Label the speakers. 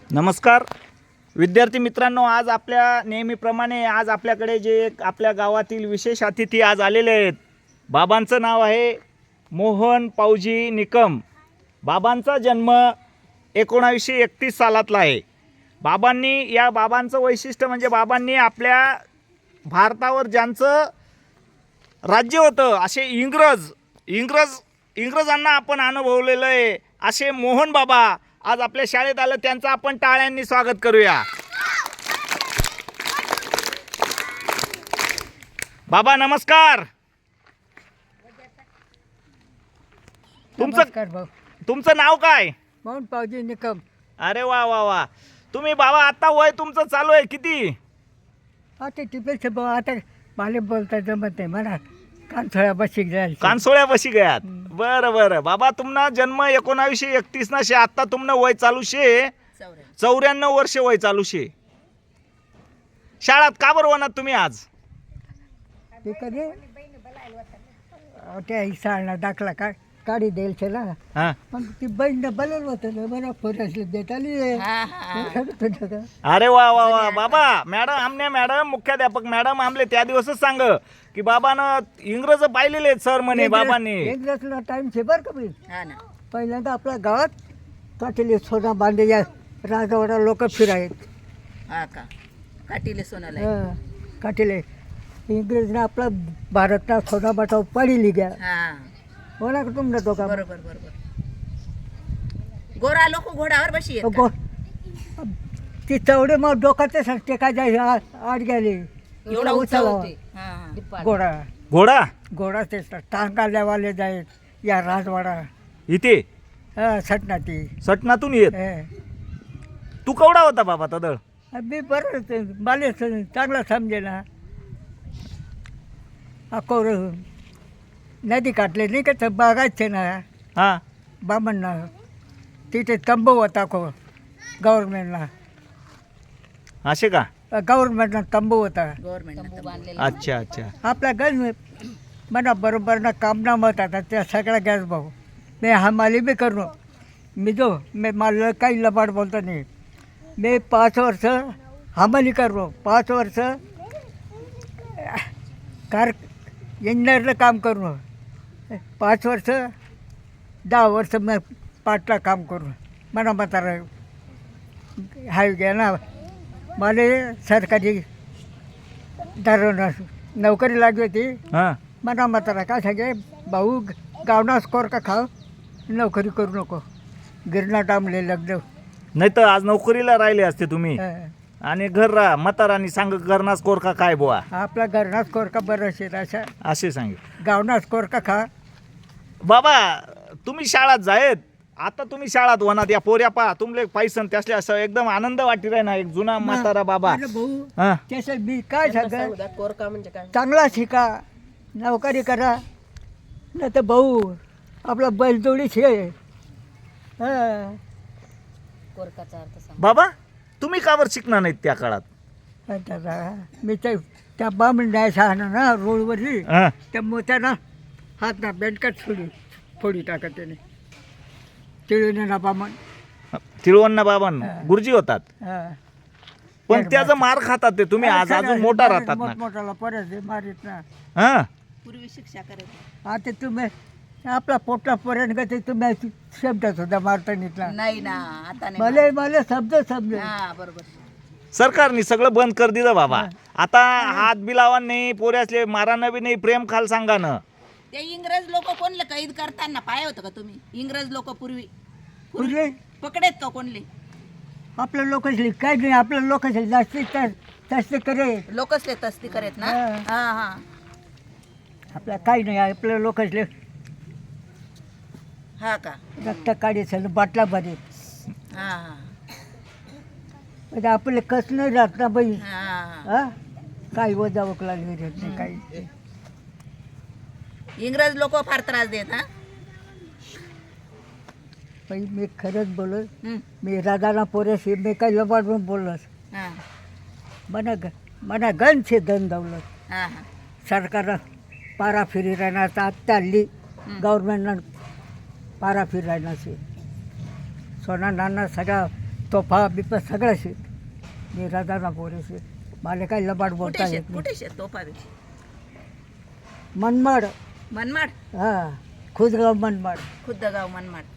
Speaker 1: नमस्कार विद्यार्थी मित्रांनो, आज आपल्या नेहमीप्रमाणे आज आपल्याकडे जे एक आपल्या गावातील विशेष अतिथी आज आलेले आहेत. बाबांचं नाव आहे मोहन पावजी निकम. बाबांचा जन्म 1931 सालातला आहे. बाबांचं वैशिष्ट्य म्हणजे बाबांनी आपल्या भारतावर ज्यांचं राज्य होतं असे इंग्रजांना आपण अनुभवलेलं आहे असे मोहन बाबा आज आपल्या शाळेत आलं. त्यांचं आपण टाळ्यांनी स्वागत करूया. बाबा नमस्कार. तुमचं नाव काय?
Speaker 2: मोहन पावजी निकम.
Speaker 1: अरे वा वा वा. तुम्ही बाबा आता वय तुमचं चालू आहे किती?
Speaker 2: आता टिपेचे बाबा आता मला बोलता जमत नाही म्हणा कानसोळ्या बशी जायचं.
Speaker 1: कानसोळ्या बशी गयात. बरं बरं बाबा, तुमना जन्म 1931 ना शे. आता तुमनं वय चालू शे 94 वर्ष वय चालू शे. शाळात का बरं होणार तुम्ही आज?
Speaker 2: ते कधी त्या शाळा दाखला काढी द्यायचं ना.
Speaker 1: हा
Speaker 2: मग ती बहीण बोलवलं होतं मला फोटोसले देत आली.
Speaker 1: अरे वा वा वा. बाबा मॅडम मुख्याध्यापक मॅडम आमले त्या दिवसच सांग की बाबानं इंग्रज पाहिलेले आहेत सर म्हणे बाबांनी.
Speaker 2: इंग्रजला टाइम छे बरं का बाई. पहिल्यांदा आपल्या गावात काटेले सोना बांधे या राजवाडा लोक फिरायत. काटेले इंग्रजने आपला भारतला सोना बाटा पाडली घ्या. बोला का तुमनं तो का
Speaker 3: बरोबर गोरा लोक घोड्यावर बशी
Speaker 2: ती चवडे मग डोकाचे सांगते काय जाय आड गेले
Speaker 3: एवढा
Speaker 2: उचला घोडा
Speaker 1: घोडा
Speaker 2: ते टांगाल्यावाले जायत या राजवाडा
Speaker 1: इथे
Speaker 2: सटनातून
Speaker 1: येत. तू केवढा होता बाबा तदळ?
Speaker 2: मी बरं मला चांगला समजे ना. अकोर नदी काढले नाही का बघायचे ना.
Speaker 1: हा
Speaker 2: बामणना तिथे तंबू होता गव्हर्नमेंटला.
Speaker 1: असे का?
Speaker 2: गव्हर्नमेंटला तंबू होता.
Speaker 1: अच्छा अच्छा.
Speaker 2: आपला गॅस म्हणा बरोबर ना काम ना मत आता त्या सगळ्या गॅस भाऊ मी हमाली बी करू. मी मला काही लबाड बोलतो नाही. मी 5 वर्ष हमाली करू. 5 वर्ष इंजिनियरला काम करू. 5 वर्ष 10 वर्ष मी पाटला काम करू. म्हणा म्हातारा हाय घ्या ना. मला सरकारी दारोना नोकरी लागली होती. म्हणा म्हातारा काय सांगे भाऊ गावना स्कोर का खाव नोकरी करू नको. गिरणा डांबले लग्न
Speaker 1: नाही तर आज नोकरीला राहिले असते तुम्ही. आणि घर म्हातारानी सांग घरना स्कोर का काय बुवा.
Speaker 2: आपला घरना स्कोर का बरं असेल अशा
Speaker 1: असे सांगे
Speaker 2: गावना स्कोर का खा.
Speaker 1: बाबा तुम्ही शाळात जायत. आता तुम्ही शाळात होणार या पोऱ्या पा तुमले पैसन त्यासले असं एकदम आनंद वाटी राही ना. एक जुना म्हातारा बाबा.
Speaker 2: भाऊ
Speaker 1: हा
Speaker 2: त्याच्या मी काय सांग चांगला शिका नोकरी करा नाही तर भाऊ आपला बैलजोडी छे.
Speaker 1: बाबा तुम्ही का बरं शिकणार नाहीत त्या काळात?
Speaker 2: मी त्या बामण द्यायचा ना रोडवरली त्या मोत्यानं हात ना बेंडकट फोडी टाकत त्याने. तिळून बामण
Speaker 1: तिरुवन्ना बाबान गुरुजी होतात. पण त्याचं मार खातात ते. तुम्ही आज अजून मोठा राहतात ना.
Speaker 2: मोठाला परत मारित ना.
Speaker 1: हा
Speaker 3: पूर्वी शिक्षा करायची.
Speaker 2: आता तुम्ही आपला पोटला पर्यंत ते तुम्ही शब्द सुद्धा मारता निघला
Speaker 3: नाही ना. आता नाही.
Speaker 2: मला शब्द समजे.
Speaker 3: बरोबर.
Speaker 1: सरकारने सगळं बंद कर दिलं बाबा. आता हात बी लावा नाही पोऱ्यासले मारानं बी नाही. प्रेम खाल सांगा ना.
Speaker 3: ते इंग्रज लोक कोणले कैद करताना पाय होतं का तुम्ही? इंग्रज लोक पूर्वी पकडेत का कोणले?
Speaker 2: आपल्या लोकांशी काय नाही. आपल्या लोकांशी जास्त करे
Speaker 3: लोकच तस्ती करेत ना.
Speaker 2: आपल्या काही नाही. आपल्या लोकांशी
Speaker 3: हा का.
Speaker 2: रक्त काढायचं बाटला भरे. म्हणजे आपले कस नाही राहत ना बाई. काही वजा वकला नाही काही.
Speaker 3: इंग्रज लोक फार त्रास देत.
Speaker 2: बाई मी खरंच बोलत. मी राधाना पोऱ्याशी मी काही लबाड बोललोस. मना गणचे धन दौलत सरकार पारा फिरी राहणार. आत्ता हल्ली गव्हर्नमेंटनं पारा फिरायला सोना नाना सगळा तोफा बिफा सगळं शेत मी राजाना पोरे शेत मला काय लबाड
Speaker 3: कुठे
Speaker 2: बोलता
Speaker 3: शेत
Speaker 2: येत नाही
Speaker 3: कुठे शेत तोफा बी?
Speaker 2: मनमाड
Speaker 3: मनमाड
Speaker 2: हां खुदगाव मनमाड
Speaker 3: खुद्दगाव मनमाड